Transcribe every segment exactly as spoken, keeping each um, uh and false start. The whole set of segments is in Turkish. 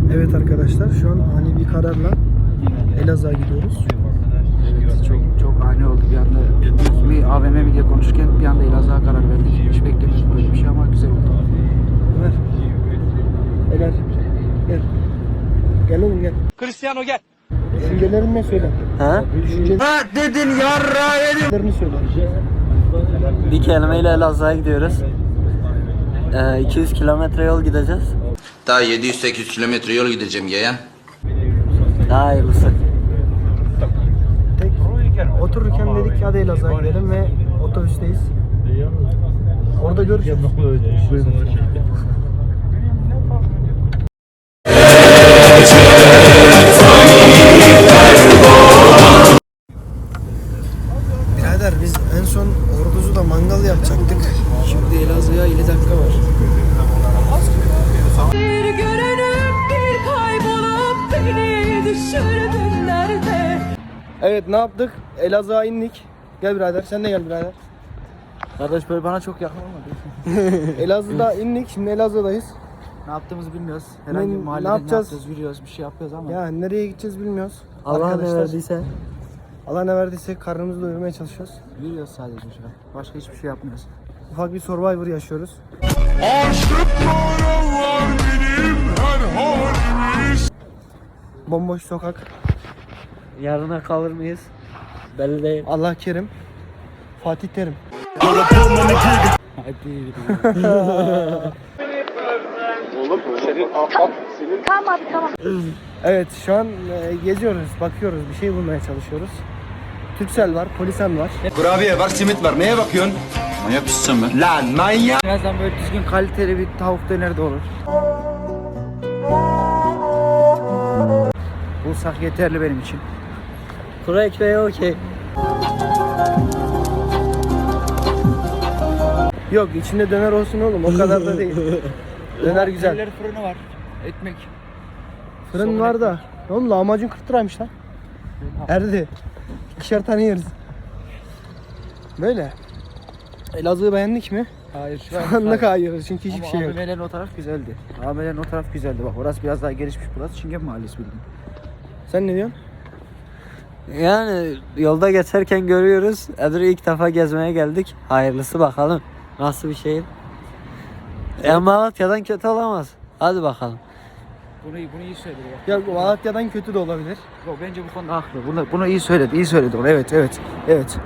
Evet arkadaşlar, şu an ani bir kararla Elazığ'a gidiyoruz. Evet, çok çok ani oldu bir anda. Piknik mi A V M mi diye konuşurken bir anda Elazığ'a karar verdik. Hiç beklemiyorduk böyle bir şey ama güzel oldu. Ömer. Ömer. Gel. Gel oğlum gel. Cristiano gel. Düşüncelerini ne söyle? Ha? Düşüncelerini Ha dedin yarra yedim. söyle. Bir kelimeyle Elazığ'a gidiyoruz. Ee, iki yüz kilometre yol gideceğiz. Daha yedi yüz sekiz yüz kilometre yol gideceğim yeğen. Daha hayırlısı. Tek otururken dedik ki hadi Elazığ'a gidelim ve otobüsteyiz. Orada görüşürüz. Birader biz en son Ordu'da mangal yapacaktık. Şimdi Elazığ'a elli dakika var. Bir görünüp bir kaybolup beni düşürdün nerede? Evet, ne yaptık? Elazığ'a indik. Gel birader, sen de gel birader. Kardeş böyle bana çok yakın olmadı. Elazığ'da indik, şimdi Elazığ'dayız. Ne yaptığımızı bilmiyoruz. Herhangi Ne- bir ne mahallede ne yapacağız? yapacağız? Yürüyoruz, bir şey yapıyoruz ama. Ya nereye gideceğiz bilmiyoruz. Allah ne Arkadaşlar, verdiyse. Allah ne verdiyse karnımızı doyurmaya çalışıyoruz. Yürüyoruz sadece şu an. Başka hiçbir şey yapmıyoruz. Ufak bir Survivor yaşıyoruz. Bomboş sokak. Yarına kalır mıyız? Belli değil. Allah kerim. Fatih Terim. Hadi. Tamam tamam. Evet, şu an e, geziyoruz, bakıyoruz, bir şey bulmaya çalışıyoruz. Türksel var, Polisen var. Kurabiye var, simit var. Neye bakıyorsun? Manyak mısın sen be? Lan manyak. Birazdan böyle düzgün kaliteli bir tavuk döner de olur. Bulsak yeterli benim için. Kuru ekmeği okey. Yok, içinde döner olsun oğlum, o kadar da değil. Döner güzel. Elleri fırını var. Ekmek. Fırın Soğan var da. Oğlum lahmacun kırk liraymış lan. Erdi. İkişer tane yeriz. Böyle. Elazığ'ı beğendik mi? Hayır Şu anlık hayır, çünkü hiçbir şey yok. A V M'lerin o taraf güzeldi. A V M'lerin o taraf güzeldi. Bak orası biraz daha gelişmiş, burası Çingen Mahallesi bildiğin. Sen ne diyorsun? Yani yolda geçerken görüyoruz. Edir'i ilk defa gezmeye geldik. Hayırlısı bakalım. Nasıl bir şehir? E, Malatya'dan kötü olamaz. Hadi bakalım. Bunu, bunu iyi söyledi bak. Ya Malatya'dan kötü de olabilir. Yok, bence bu konuda haklı. Bunu, bunu iyi söyledi, iyi söyledi. onu. Evet, evet, evet.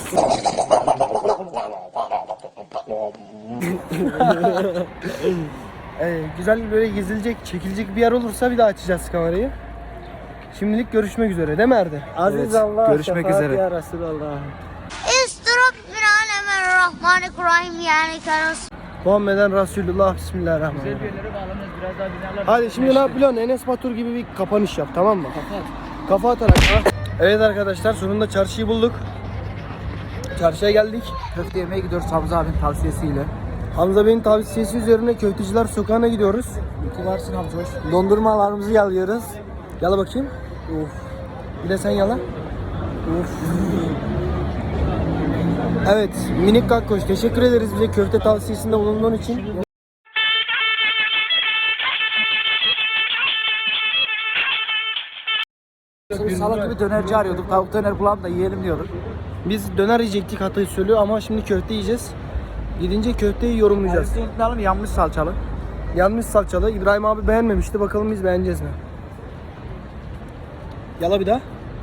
Ee, güzel böyle gezilecek, çekilecek bir yer olursa bir daha açacağız kamerayı. Şimdilik görüşmek üzere değil mi Erdi? Aziz Evet, Allah. görüşmek şefaat üzere. Ya Resulallah. Bismillahirrahmanirrahim yani karıs. Muhammeden Resulullah, Bismillahirrahmanirrahim. yerlere bağlanırız, biraz daha binalar. Hadi şimdi ne yapıyorsun? Enes Batur gibi bir kapanış yap, tamam mı? Kafa atarak. Ha. Evet arkadaşlar, sonunda çarşıyı bulduk. Çarşıya geldik. Köfte yemeye gidiyoruz Hamza abinin tavsiyesiyle. Hamza Bey'in tavsiyesi üzerine Köfteciler Sokağı'na gidiyoruz. İki varsın Hamza hoş. Dondurmalarımızı yalıyoruz. Yala bakayım. Of. Bir de sen yala. Of. Evet, minik kakkoş. Teşekkür ederiz bize köfte tavsiyesinde bulunduğun için. Biz salak gibi dönerci arıyorduk. Tavuk döner bulalım da yiyelim diyorduk. Biz döner yiyecektik hatayı söylüyor ama şimdi köfte yiyeceğiz. Gidince köfteyi yorumlayacağız. Biz unutmayalım, yanmış salçalı. Yanmış salçalı. İbrahim abi beğenmemişti. Bakalım biz beğeneceğiz mi? Yala bir daha.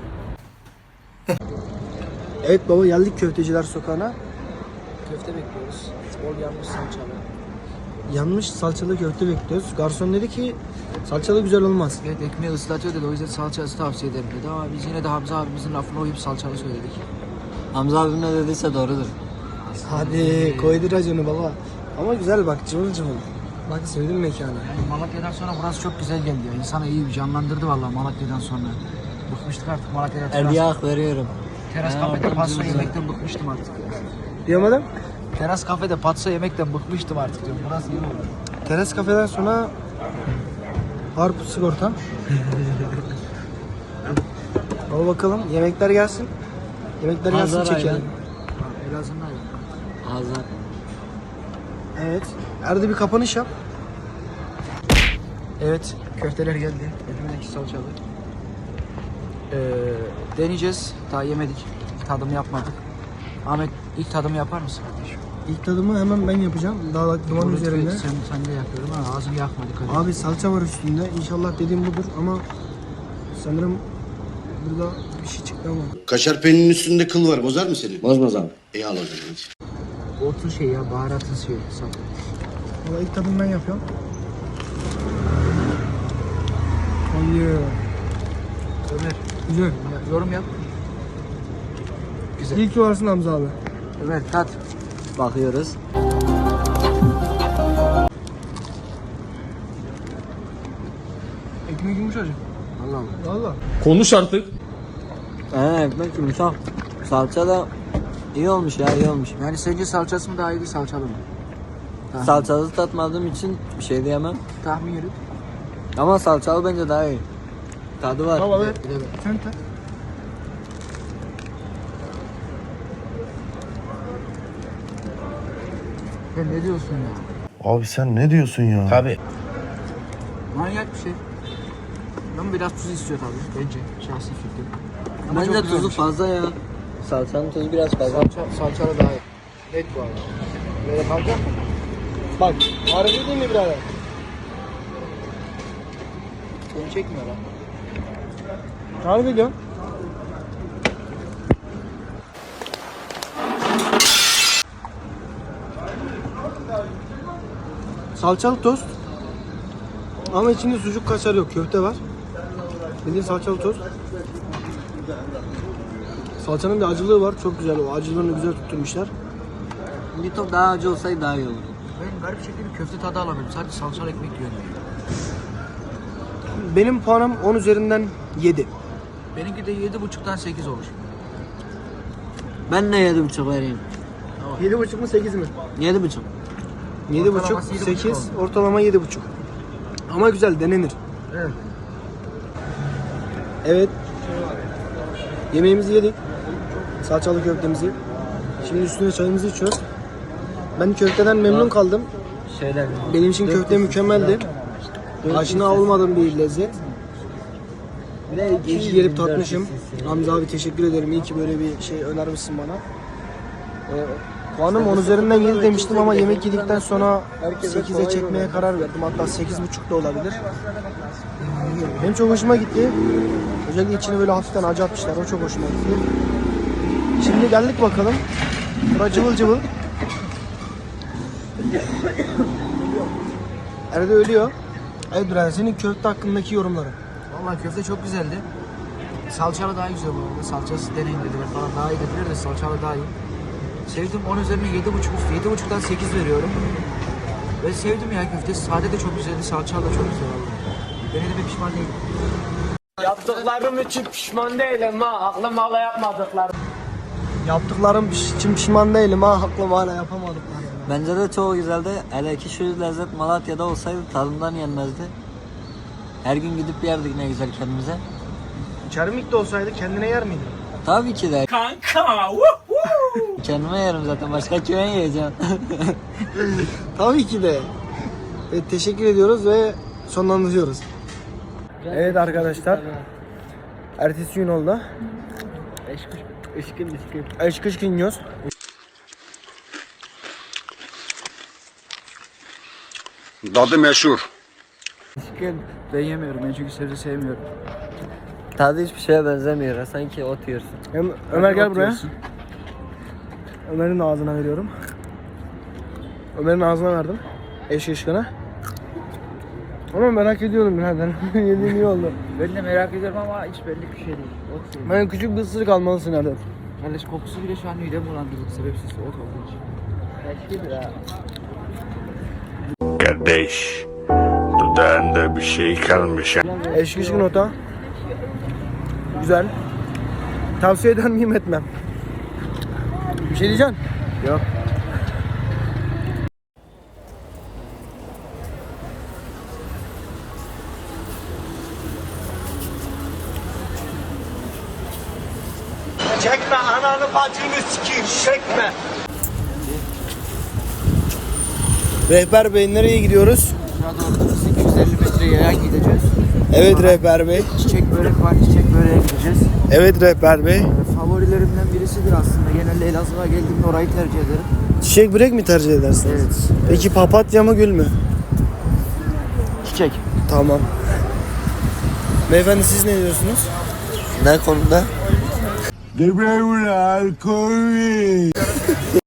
Evet baba, geldik Köfteciler Sokağı'na. Köfte bekliyoruz. Bol yanmış salçalı. Yanmış salçalı köfte bekliyoruz. Garson dedi ki salçalı güzel olmaz. Evet, ekmeği ıslatıyor dedi, o yüzden salçası tavsiye ederim dedi ama biz yine de Hamza abimizin lafına uyup salçalı söyledik. Hamza abim ne dediyse doğrudur. Hadi koydur raconu baba. Ama güzel bak, cıvıl cıvıl. Bak sevdim mekanı. Yani Malatya'dan sonra burası çok güzel geldi ya. İnsanı iyi bir canlandırdı vallahi Malatya'dan sonra. Bıkmıştık artık Malatya'da teras, Erdiye hak veriyorum. teras kafede patso yemekten bıkmıştım artık ya. Diyamadım. Teras kafede patso yemekten bıkmıştım artık diyorum. Burası iyi oldu. Teras kafeden sonra harp sigorta. Ama bakalım yemekler gelsin. Yemekler gelsin Hazır çekelim. ayran. Elazığ'ın ayrı. Hazır. Evet. Erdi bir kapanış yap. Evet. Köfteler geldi. Elimdeki salçalı. Ee, deneyeceğiz. Daha yemedik. Tadım yapmadık. Ahmet ilk tadımı yapar mısın kardeşim? İlk tadımı hemen ben yapacağım. Daha bak duman Bunu üzerinde. Sen, sen de yapıyorum ama ağzını yakma dikkat et. Abi salça var üstünde. İnşallah dediğim budur ama sanırım burada bir şey çıktı ama. Kaşar peynirinin üstünde kıl var. Bozar mı seni? Bozmaz abi. İyi al o zaman. Otun şey ya, baharatın şey. Salça. Valla ilk tadımı ben yapıyorum. Hayır. Ömer, Güzel. ya, yorum yap. Güzel. İyi ki varsın Hamza abi. Ömer, tat. Bakıyoruz. Ekmek yumuşacık. Allah Allah. Valla. Konuş artık. Ee, ekmek yumuşak. Salça da iyi olmuş ya, iyi olmuş. Yani sence salçası mı daha iyi, salçalı mı? Tahmin. Salçalı tatmadığım için bir şey diyemem. Tahmin yürüt. Ama salçalı bence daha iyi. Tadı var. Baba be. Bir de ben. Sen tak. Sen ne diyorsun ya? Abi sen ne diyorsun ya? Tabii. Manyak bir şey. Ama biraz tuz istiyor tabii bence. Şahsi fikrim. Ama Bence çok tuzu güzelmiş. fazla ya. Salçanın tuzu biraz fazla. Salça, salçalı daha iyi. Net bu arada. Böyle kalacak mı? Bak. Harbi değil mi birader? Seni çekmiyor lan. Harbi diyorum. Salçalı tost. Ama içinde sucuk kaşar yok. Köfte var. Bildiğin salçalı tost. Salçanın bir acılığı var. Çok güzel o. Acılığını güzel tutturmuşlar. Bir top daha acı olsaydı daha iyi olurdu. Ben garip şekilde bir köfte tadı alamıyorum. Sadece salçalı ekmek yiyorum. Benim puanım on üzerinden yedi. Benimki de yedi buçuktan sekiz olur. Ben de yedi buçuk vereyim. yedi buçuk mu sekiz mi? Yedi buçuk. yedi buçuk, Ortalaması yedi buçuk sekiz, ortalama yedi buçuk. Ama güzel, denenir. Evet. Evet. Yemeğimizi yedik. Salçalı köftemizi. Şimdi üstüne çayımızı içiyoruz. Ben köfteden memnun kaldım. Şeyler. Benim için köfte mükemmeldi. Aşina olmadığım bir lezzet. İyi ki gelip tatmışım. Hamza abi teşekkür ederim. İyi ki böyle bir şey önermişsin bana. Ee, puanım on üzerinden yedi demiştim ama yemek yedikten sonra sekize çekmeye karar verdim. Hatta sekiz buçuk da olabilir. Benim çok hoşuma gitti. Özellikle içine böyle hafiften acı atmışlar. O çok hoşuma gitti. Şimdi geldik bakalım. Bura cıvıl cıvıl. Arada ölüyor. Evet Duran, senin köfte hakkındaki yorumların. Vallahi köfte çok güzeldi. Salçalı daha güzel bu arada. Salçası deneyin dediler falan daha iyi dediler de salçalı daha iyi. Sevdim, on üzerine yedi buçuk üstü. yedi buçuktan sekiz veriyorum. Ve sevdim ya, köftesi sade de çok güzeldi, salçalı da çok güzel oldu. Denediğime pişman değilim. Yaptıklarım için pişman değilim ha. Aklım hala yapmadıklarım. Yaptıklarım için pişman değilim ha. Aklım hala yapamadık. Bence de çok güzeldi. Hele ki şu lezzet Malatya'da olsaydı tadından yenmezdi. Her gün gidip yerdik ne güzel kendimize. Çermik de olsaydı kendine yer miydin? Tabii ki de. Kanka. Kendime yerim zaten. Başka kime yiyeceğim? Tabii ki de. Evet, teşekkür ediyoruz ve sonlandırıyoruz. Evet arkadaşlar. Ertesi gün oldu. Işkın ışkın. Eşk ışkın yiyoruz. Tadı meşhur. Işkın. Ben yemiyorum, ben çünkü sebze sevmiyorum. Tadı hiçbir şeye benzemiyor. Sanki ot yiyorsun. Hem- Ömer gel Ot buraya. yiyorsun. Ömer'in ağzına veriyorum. Ömer'in ağzına verdim. Eşk ışkına. Ama merak ediyorum birader. Yediğim iyi oldu. Ben de merak ediyorum ama hiç belli bir şey değil. Ot yiyorum. Ben küçük bir ısırık almalısın Erdem. Kardeş kokusu bile şu an midemi bulandırdı, sebepsiz ot olduğu için. Kardeş, dudağında bir şey kalmış. Eşk ışkın ota. Güzel. Tavsiye eder miyim etmem. Bir şey diyeceksin? Yok. Çekme ananı bacını sikeyim. Çekme. Rehber Bey nereye gidiyoruz? Şurada orada iki yüz elli metre yayan gideceğiz. Evet Sonra rehber bey. Çiçek börek var, çiçek böreğe gideceğiz. Evet rehber bey. Ee, Favorilerimden birisidir aslında. Genelde Elazığ'a geldiğimde orayı tercih ederim. Çiçek börek mi tercih edersiniz? Evet. Peki papatya mı gül mü? Çiçek. Tamam. Beyefendi siz ne diyorsunuz? Ne konuda?